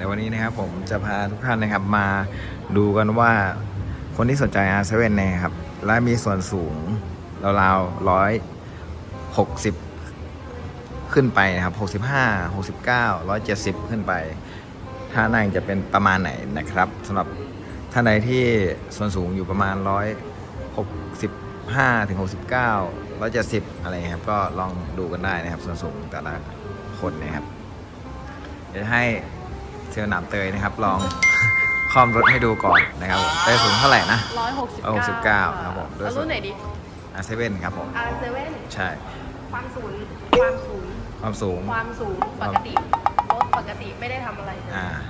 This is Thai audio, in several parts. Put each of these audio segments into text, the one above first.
เดี๋ยววันนี้นะครับผมจะพาทุกท่านนะครับมาดูกันว่าคนที่สนใจ R7 นะครับและมีส่วนสูงราวๆ160ขึ้นไปนะครับ65 69 170ขึ้นไปท่านั่งจะเป็นประมาณไหนนะครับสำหรับท่านใดที่ส่วนสูงอยู่ประมาณ165 ถึง 69 170อะไรครับก็ลองดูกันได้นะครับส่วนสูงแต่ละคนนะครับเดี๋ยวให้เซลล์หนามเตยนะครับลอง คอมรถให้ดูก่อนนะครับผมได้สูงเท่าไหร่นะ169ครับผมรุ่นไหนดี R7 ครับผม R7 ใช่ความสูงปกติรถปกติไม่ได้ทำอะไรเลย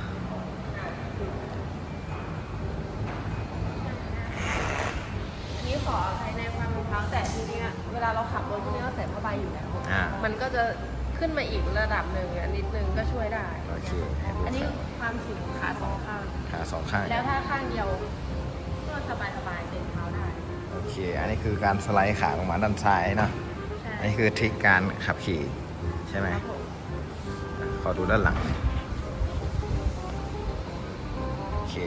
นี่ขออภัยในความรองเท้าแต่ทีนี้เวลาเราขับรถพวกนี้เราใส่ผ้าใบอยู่แล้วมันก็จะขึ้นมาอีกระดับหนึ่งนิดนึงก็ช่วยได้โอเคอันนี้ความสูงขาสองข้างแล้วถ้าข้างเดียวก็สบายเต็มเท้าได้โอเคอันนี้คือการสไลด์ขาลงมาด้านซ้ายนะอันนี้คือทริคการขับขี่ใช่ไหมขอดูด้านหลังโอเค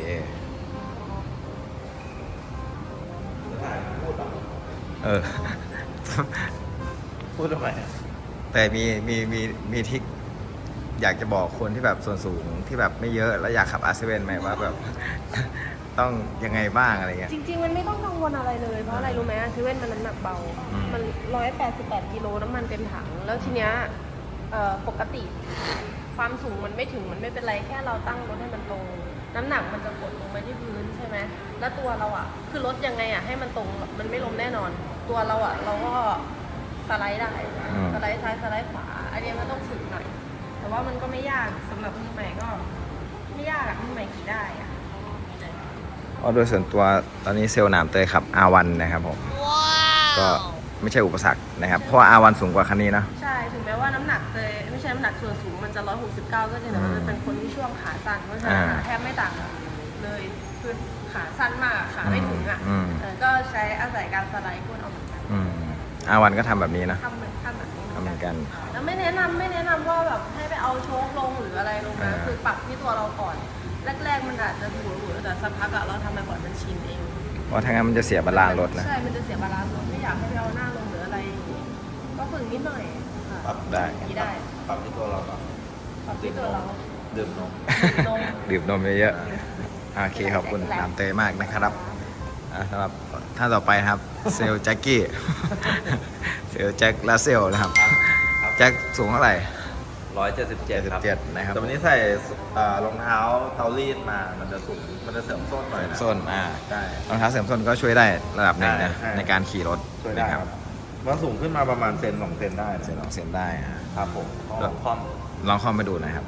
พูดทำไมแต่มีทริคอยากจะบอกคนที่แบบส่วนสูงที่แบบไม่เยอะแล้วอยากขับ R7 ไหมว่าแบบ ต้องยังไงบ้างอะไรเงี้ยจริงๆมันไม่ต้องกังวลอะไรเลยเพราะอะไรรู้ไหมR7มันน้ำหนักเบามัน188กิโลน้ำมันเต็มถังแล้วทีเนี้ยปกติความสูงมันไม่ถึงมันไม่เป็นไรแค่เราตั้งรถให้มันตรงน้ำหนักมันจะกดลงไปที่พื้นใช่ไหมแล้วตัวเราอ่ะคือรถยังไงอ่ะให้มันตรงมันไม่ล้มแน่นอนตัวเราอ่ะเราก็สไลด์ได้สไลด์ซ้ายสไลด์ขวาอันนี้มันต้องฝึกหน่อยแต่ว่ามันก็ไม่ยากสำหรับมือใหม่ก็ไม่ยากอะมือใหม่ขี่ได้อะโดยส่วนตัวตอนนี้เซลล์หนามเตยขับ R1 นะครับผมก็ไม่ใช่อุปสรรคนะครับเพราะว่า R1 สูงกว่าคันนี้นะใช่ถึงแม้ว่าน้ำหนักเตยไม่ใช่น้ำหนักส่วนสูงมันจะ169ก็จริงแต่มันจะเป็นคนที่ช่วงขาสั้นเพราะฉะนั้นแทบไม่ต่างเลยคือขาสั้นมากขาไม่ถึงอ่ะก็ใช้อาศัยการสไลด์ก้นเอาเหมือนกัน R1 ก็ทำแบบนี้นะทำแบบนี้เหมือนกันแล้วไม่แนะนำว่าแบบให้ไปเอาโชคลงหรืออะไรลงนะคือปรับที่ตัวเราก่อนแรกๆมันอาจจะหัวแต่สักพักเราทำไปบ่อยมันชินเองเพราะถ้างั้นมันจะเสียบาลานซ์รถนะใช่มันจะเสียบาลานซ์รถไม่อยากให้ไปเอาหน้าลงหรืออะไรก็ฝึกนิดหน่อยปรับได้ปรับที่ตัวเราปรับที่ตัวเราดื่มนมดื่มนมเยอะๆโอเคขอบคุณน้ำเตยมากนะครับสำหรับท่านต่อไปครับเซลแจ็คกี้เซลแจ็คลาเซลนะครับแจ็คสูงเท่าไหร่ 177ครับนะครับแต่วันนี้ใส่รองเท้าเตารีดมามันจะสูงมันจะเสริมส้นหน่อยนะส้นใช่รองเท้าเสริมส้นก็ช่วยได้ระดับหนึ่งนะในการขี่รถช่วยได้ครับมันสูงขึ้นมาประมาณเซน2 เซนได้เซน2 เซนได้ครับผมลองคอมไปดูนะครับ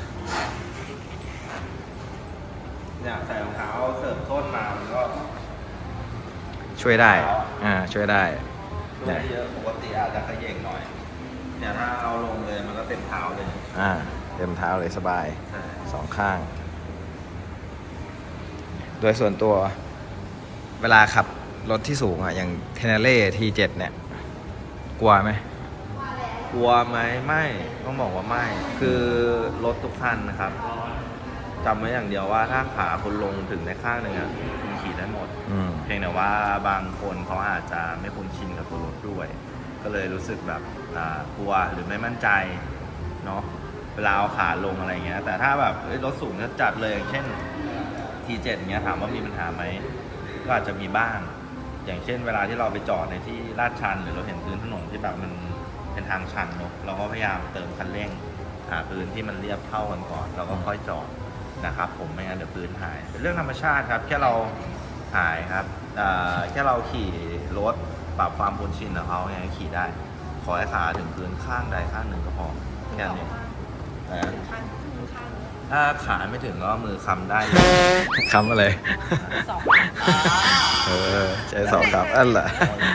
เนี่ยใส่รองเท้าเสริมส้นมามันก็ช่วยได้ช่วยได้เยอะปกติอาจจะขย่งหน่อยเนี่ยถ้าเอาลงเลยมันก็เต็มเท้าเลยเต็มเท้าเลยสบาย2 ข้างโดยส่วนตัวเวลาขับรถที่สูงอย่างเทเนเล่ T7 เนี่ยกลัวไหมไม่ต้องบอกว่าไม่คือรถทุกคันนะครับจำไว้อย่างเดียวว่าถ้าขาคุณลงถึงในข้างหนึ่งคุณขี่ได้หมดเพียงแต่ว่าบางคนเขาอาจจะไม่คุ้นชินกับตัวรถด้วยก็เลยรู้สึกแบบกลัวหรือไม่มั่นใจเนาะเวลาเอาขาลงอะไรเงี้ยแต่ถ้าแบบรถสูงจัดเลยอย่างเช่น T7 เงี้ยถามว่ามีปัญหาไหมก็อาจจะมีบ้างอย่างเช่นเวลาที่เราไปจอดในที่ลาดชันหรือเราเห็นพื้นถนนที่แบบมันเป็นทางชันเนาะเราก็พยายามเติมคันเร่งหาพื้นที่มันเรียบเท่ากันก่อนเราก็ค่อยจอดนะครับผมไม่งั้นเดี๋ยวพื้นหายเป็นเรื่องธรรมชาติครับแค่เราหายครับแค่เราขี่รถปรับความคุ้นชินของเขาไงขี่ได้ขอให้ขาถึงพื้นข้างใดข้างหนึ่งก็พอแค่นี้ถ้าขาไม่ถึงก็มือค้ำได้ค้ำอะไรใช้2 ครับอันแหละ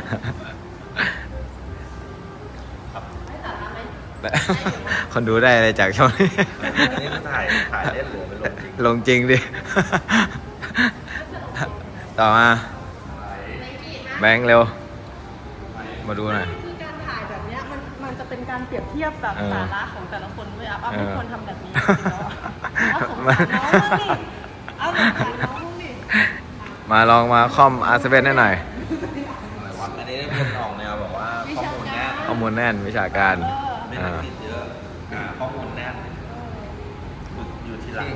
คนดูได้อะไรจากช่องนี้นี่มันถ่ายเล่นหรือเป็นลงจริงดิต่อมาแบงค์เร็วมาดูหน่อยคือการถ่ายแบบนี้มันจะเป็นการเปรียบเทียบแบบสาระของแต่ละคนด้วยไม่ควรทำแบบนี้เอาสงสารน้องบ้างดิเอาสงสารน้องบ้างดิมาลองมาคอม R7 ให้หน่อยอะไรวะอันนี้เป็นออกแนวแบบว่าข้อมูลแน่นข้อมูลแน่นวิชาการไม่ต้องคิดเยอะข้อมูลแน่นอยู่ที่หลัง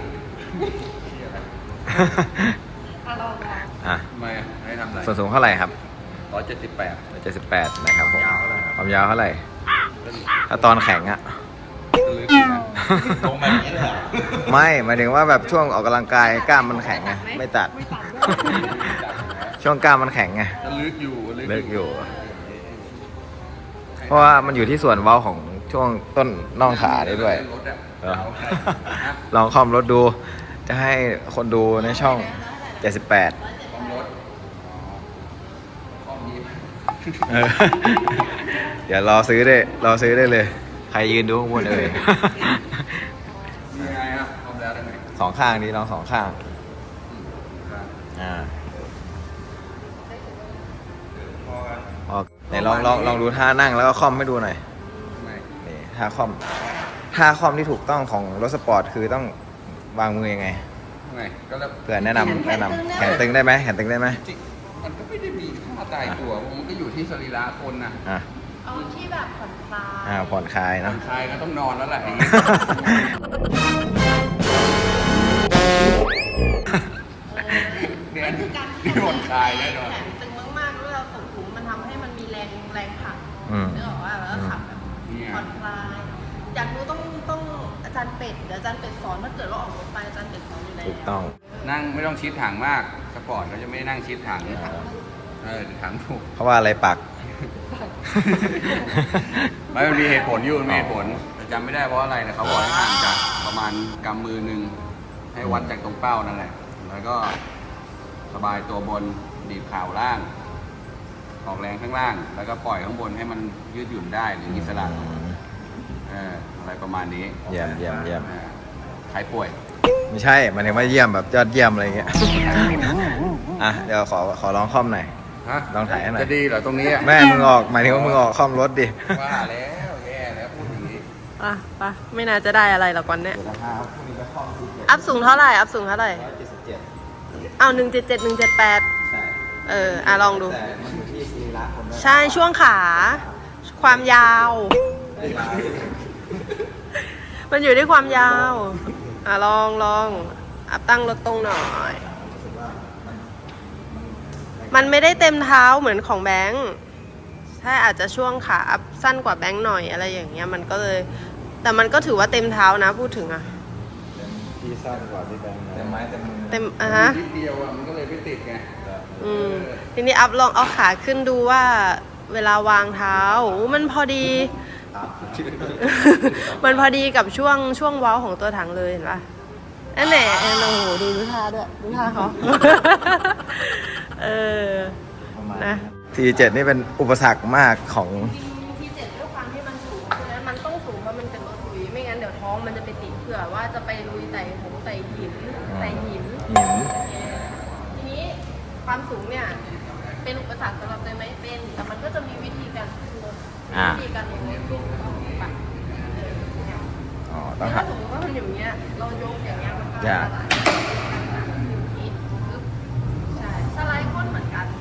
ลองอ่ะไม่ให้ทำอะไรส่วนสูงเท่าไหร่ครับ 178 78นะครับผมยาวเท่าไหร่ครับความยาวเท่าไหร่ ถ้าตอนแข็งอะลึกนะลงแบบนี้เลยเหรอไม่หมายถึงว่าแบบช่วงออกกำลังกายกล้ามมันแข็งไงไม่ตัดไม่ตัดด้วยช่วงกล้ามมันแข็งไงลึกอยู่เลิกอยู่ เพราะว่ามันอยู่ที่ส่วนเว้าของช่วงต้นน่องขาได้ด้วยรถอะเออ ลองคอมรถดู จะให้คนดูในช่อง 78 ความรถความยีบเออเดี๋ยวรอซื้อได้เลย ใครยืนดูข้างบนเลยมีไงครับพร้อมแล้วได้ไหมสองข้างดีลองสองข้าง อ่าพอกันออกไหนลองดูท่านั่งแล้วก็คอมให้ดูหน่อยไม่นี่ท่าคอมที่ถูกต้องของรถสปอร์ตคือต้องวางมือยังไงไงก็แล้วเผื่อแนะนำแขนตึงได้ไหมแขนตึงได้ไหมจริงมันก็ไม่ได้มีท่าตายตัวมันก็อยู่ที่สรีระคนนะอ่ะเอาที่แบบผ่อนคลายผ่อนคลายผ่อเนาะนคลายก็ต้องนอนแล้วแหละอย่างงี้ เนี่ยมันคือการที่นี่ผ่อนคลายแน่นอนแขนตึงมากๆแล้วเราตกหลุมมันทำให้มันมีแรงผลักอืมนึกออกว่าแล้วขับแบบผ่อนคลายอยากรู้ต้องอาจารย์เป็ดเดี๋ยวอาจารย์เป็ดสอนถ้าเกิดว่าออกรถไปอาจารย์เป็ดสอนอยู่แล้วถูกต้องนั่งไม่ต้องชิดถังมากสปอร์ตเขาจะไม่นั่งชิดถังถังถูกเพราะว่าอะไรปักไม่มันมีเหตุผลอยู่มันมีเหตุผลแต่จำไม่ได้เพราะอะไรนะเขาบอกให้ห่างจากประมาณกำมือหนึ่งให้วัดจากตรงเป้านั่นแหละ แล้วก็สบายตัวบนดีบข่าวล่าง ออกแรงข้างล่าง แล้วก็ปล่อยข้างบนให้มันยืดหยุ่นได้หรืออิสระอะไรประมาณนี้เยี่ยมใครป่วยไม่ใช่หมายถึงว่าเยี่ยมแบบยอดเยี่ยมอะไรเงี้ย อ่ะเดี๋ยวขอลองคอมหน่อยฮะลองถ่ายให้หน่อยจะดีเหรอตรงนี้อะแม่มึงออกหมายถึงว่ามึงออกคอมรถดิว่าแล้วแย่แล้วพูดอย่างนี้ปะไม่น่าจะได้อะไรหรอกวันเนี้ยอัพสูงเท่าไหร่อัพสูงเท่าไหร่ 177 เอา177 178 ใช่ลองดูแต่มันอยู่ที่สรีระคนด้วยใช่ช่วงขาความยาว มันอยู่ที่ความยาว ลองอัพตั้งรถตรงหน่อย มันไม่ได้เต็มเท้าเหมือนของแบงค์ใช่อาจจะช่วงขาอัพสั้นกว่าแบงค์หน่อยอะไรอย่างเงี้ยมันก็เลย แต่มันก็ถือว่าเต็มเท้านะพูดถึงอะที่สั้นกว่าที่แบงค์เต็มไม้เต็มมือเต็มฮะนิดเดียวอะมันก็เลยไม่ติดไงทีนี้อัพลองเอาขาขึ้นดูว่าเวลาวางเท้ามันพอดี มันพอดีกับช่วงเว้าของตัวถังเลยเห็นปะนั่นแหละโอ้โหดูท่าด้วยดูท่าเขา นะ T7 นี่เป็นอุปสรรคมากของทีเจ็ดด้วยความที่มันสูงฉะนั้นมันต้องสูงเพราะมันเป็นรถลุยไม่งั้นเดี๋ยวท้องมันจะไปติดเผื่อว่าจะไปลุยไต่หงไต่หินหินทีนี้ความสูงเนี่ยเป็นอุปสรรคสำหรับเตยไหมเป็นแต่มันก็จะมีวิธีการลดวิธีการลงขึ้นปะอ๋อต้องถ้าหัดสมมติว่ามันอยู่อย่างเงี้ยเรายกอย่างเงี้ยมันก็ยากอย่างนี้ปึ๊บใช่สไลด์ก้นเหมือนกัน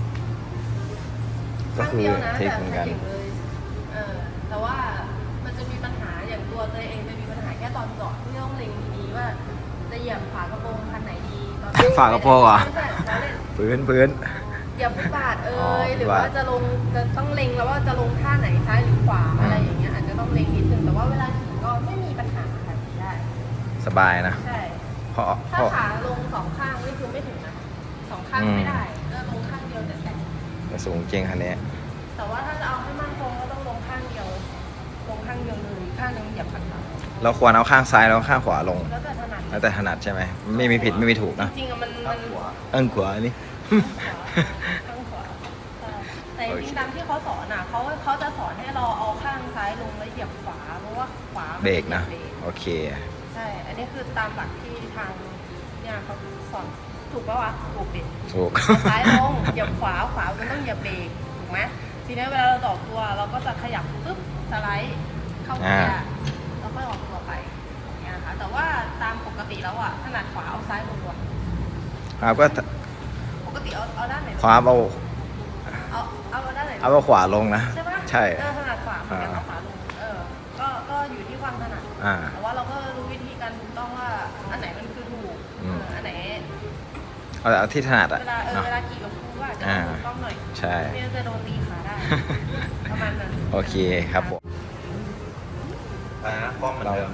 ก็คือข้างดียวนะเทคเหมือนกันแต่เลยแต่ว่ามันจะมีปัญหาอย่างตัวเตยเองจะมีปัญหาแค่ตอนจอดที่ต้องเล็งดีๆว่าจะเหยียบฝากระโปรงคันไหนดีตอนฝากระโปรงเหรอไม่ใช่เราเล่นพื้นเหยียบฟุตบาทอ๋อหรือว่าจะต้องเล็งแล้วว่าจะลงท่าไหนซ้ายหรือขวาอะไรอย่างเงี้ยอาจจะต้องเล็งนิดนึงแต่ว่าเวลาขี่ก็ไม่มีปัญหาค่ะขี่ได้สบายนะใช่เพราะถ้าขาลงสองข้างนี่คือไม่ถึงนะสองข้างไม่ได้ก็ลงข้างเดียวแต่สูงจริงคันนี้แต่ว่าถ้าจะเอาให้มั่นคงก็ต้องลงข้างเดียวเลยข้างนึงเหยียบข้างหลังเราควรเอาข้างซ้ายแล้วข้างขวาลงแล้วแต่ถนัดแล้วแต่ถนัดใช่ไหมไม่มีผิดไม่มีถูกนะจริงๆอะมันขวานี่ข้างขวาใช่แต่จริงๆตามที่เขาสอนอ่ะเขาจะสอนให้เราเอาข้างซ้ายลงแล้วเหยียบขวาเพราะว่าขวามันเบรกนะเหยียบเบรกโอเคใช่ อันนี้คือตามหลักที่ทางเนี่ยเขาสอนถูกปะวะถูกดิถูกเอาซ้ายลงเหยียบขวามันต้องเหยียบเบรกถูกไหมทีนี้เวลาเราต่อตัวเราก็จะขยับปุ๊บสไลด์เข้าเกียร์แล้วค่อยออกตัวไปอย่างเงี้ยค่ะแต่ว่าตามปกติแล้วอ่ะถนัดขวาเอาซ้ายลงก่อนครับก็ปกติเอาด้านไหนขวาเอาเอาด้านไหนเอาขวาลงนะใช่ปะใช่ถนัดขวาเหมือนกันเอาขวาลงก็อยู่ที่ความถนัดอ่าแต่ว่าเราก็รู้วิธีการถูกต้องว่าอันไหนมันคือถูกอืมอันไหนเอาที่ถนัดอะเวลาเนาะเวลาขี่กับครูก็อาจจะอ่าถูกต้องหน่อยใช่ไม่งั้นจะโดนตีขาได้ ประมาณนั้นโอเคครับผมอะไรนะกล้องเหมือนเดิม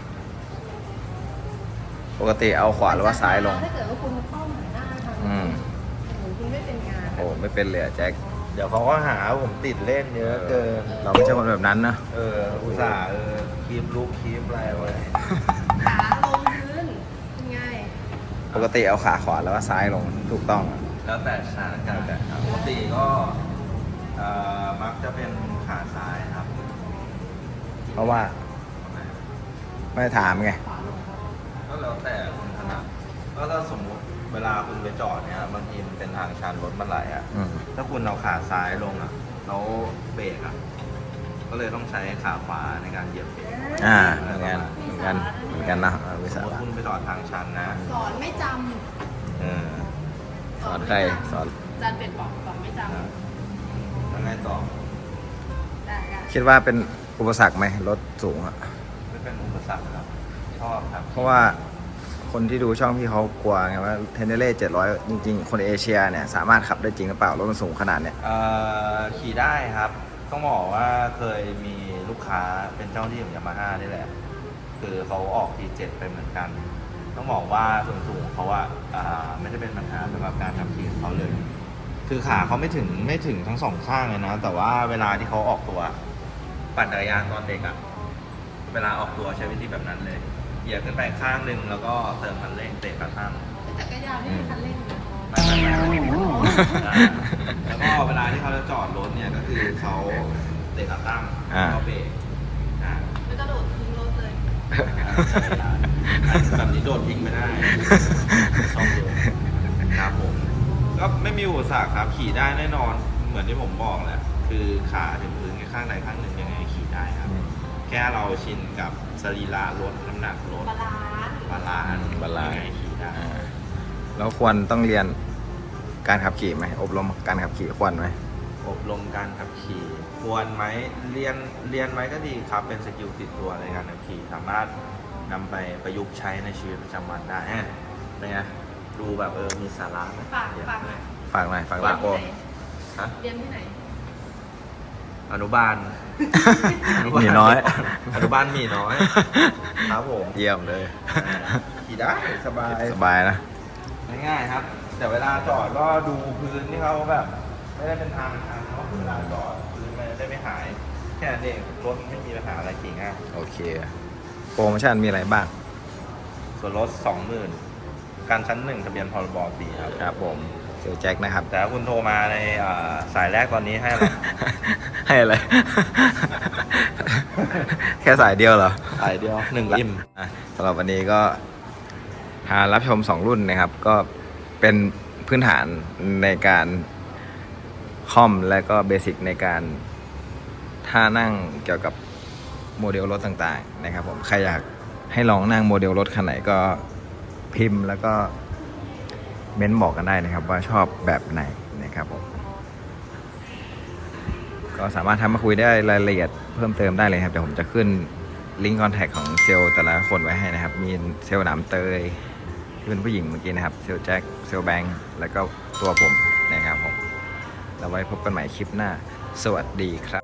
ปกติเอาขวาหรือว่าซ้ายลงถ้าเกิดว่าคุณเข้าหาหน้าทางอืมคุณไม่เป็นงานโอ้ไม่เป็นเลยอะแจ็คเดี๋ยวเขาก็หาว่าผมติดเล่นเยอะเกินเราไม่ใช่คนแบบนั้นนะอุตส่าห์คลิปลูกคลิปอะไรไว้ขาลงพื้นเป็นไงปกติเอาขาขวาแล้วว่าซ้ายลงถูกต้องอะแล้วแต่สถานการณ์ปกติก็มักจะเป็นขาซ้ายครับเพราะว่าไม่ถามไงก็แล้วแต่คุณถนัดก็ถ้าสมมุติเวลาคุณไปจอดเนี่ยบางทีมันเป็นทางชันรถมันไหลอ่ะอืมถ้าคุณเอาขาซ้ายลงอ่ะแล้วเบรกอ่ะก็เลยต้องใช้ขาขวาในการเหยียบเบรกเหมือนกันนะวิสสามมมติระคุณไปจอดทางชันนะสอนไม่จเออำสอนใครสอนจานเป็ดบอกสอนไม่จแล้วไงต่อำได้คิดว่าเป็นอุปสรรคไหมรถสูงอะไม่เป็นอุปสรรคครับชอบครับเพราะว่าคนที่ดูช่องพี่เขากลัวไงว่าเทนเนเล่700 จริงๆ คนเอเชียเนี่ยสามารถขับได้จริงหรือเปล่ารถมันสูงขนาดเนี้ยขี่ได้ครับ ต้องบอกว่าเคยมีลูกค้าเป็นเจ้าที่ของยามาฮ่านี่แหละ คือเขาออกที7ไปเหมือนกัน ต้องบอกว่าส่วนสูงเขาว่าไม่ได้เป็นปัญหาสำหรับการขับขี่ของเขาเลย คือขาเขาไม่ถึงทั้งสองข้างเลยนะ แต่ว่าเวลาที่เขาออกตัวปั่นจักรยานตอนเด็กอะเวลาออกตัวใช้วิธีแบบนั้นเลยเหยียบขึ้นไปข้างหนึ่งแล้วก็เติมคันเร่งเตะกระทั่งจักรยานไม่มีคันเร่งนะไม่แล้วก็เวลาที่เขาจะจอดรถเนี่ยก็คือเขาเตะขาตั้งเขาเบรกไม่กระโดดทิ้งรถเลยแบบนี้โดดทิ้งไม่ได้ต้องดูครับผมก็ไม่มีอุปสรรคครับขี่ได้แน่นอนเหมือนที่ผมบอกแหละคือขาถึงพื้นแค่ข้างใดข้างหนึ่งยังไงขี่ได้ครับ แค่เราชินกับสรีระรถน้ำหนักรถบาลานซ์บาลานซ์บาลานซ์ยังไงขี่ได้แล้วควรต้องเรียนการขับขี่ไหมอบรมการขับขี่ควรไหมอบรมการขับขี่ควรไหมเรียนไหมก็ดีครับเป็นสกิลติดตัวในการขับขี่สามารถนำไปประยุกต์ใช้ในชีวิตประจำวันได้เป็นไงดูแบบมีสาระไหมฝากหน่อยฝากหน่อยฝากฝาลาก โกฮะเรียนที่ไหนอนุบาลมีน้อยอนุบาลมีน้อยครับผมเยี่ยมเลยขี่ได้สบายสบายนะง่ายๆครับ แต่เวลาจอดก็ดูพื้นที่เขาแบบ ไม่ได้เป็นทางชันเนาะเวลาจอดพื้นมันจะได้ไม่หาย แค่นั้นเองรถไม่มีปัญหาอะไรขี่ง่ายโอเค โปรโมชั่นมีอะไรบ้างส่วนลด 20,000การชั้น 1 ทะเบียนพรบสีครับครับผมเซลแจ็คนะครับแต่ถ้าคุณโทรมาในสายแรกตอนนี้ให้อะไรให้อะไร แค่สายเดียวเหรอสายเดียว1อิ่มสำหรับวันนี้ก็พารับชม 2 รุ่นนะครับ ก็เป็นพื้นฐานในการคอมและก็เบสิกในการท่านั่งเกี่ยวกับโมเดลรถต่างๆนะครับผมใครอยากให้ลองนั่งโมเดลรถคันไหนก็พิมพ์แล้วก็เม้นบอกกันได้นะครับว่าชอบแบบไหนนะครับผมก็สามารถทำมาคุยได้รายละเอียดเพิ่มเติมได้เลยครับเดี๋ยวผมจะขึ้นลิงก์คอนแทคของเซลล์แต่ละคนไว้ให้นะครับมีเซลล์หนามเตยที่เป็นผู้หญิงเมื่อกี้นะครับเซลล์แจ็คเซลล์แบงค์แล้วก็ตัวผมนะครับผมแล้วไว้พบกันใหม่คลิปหน้าสวัสดีครับ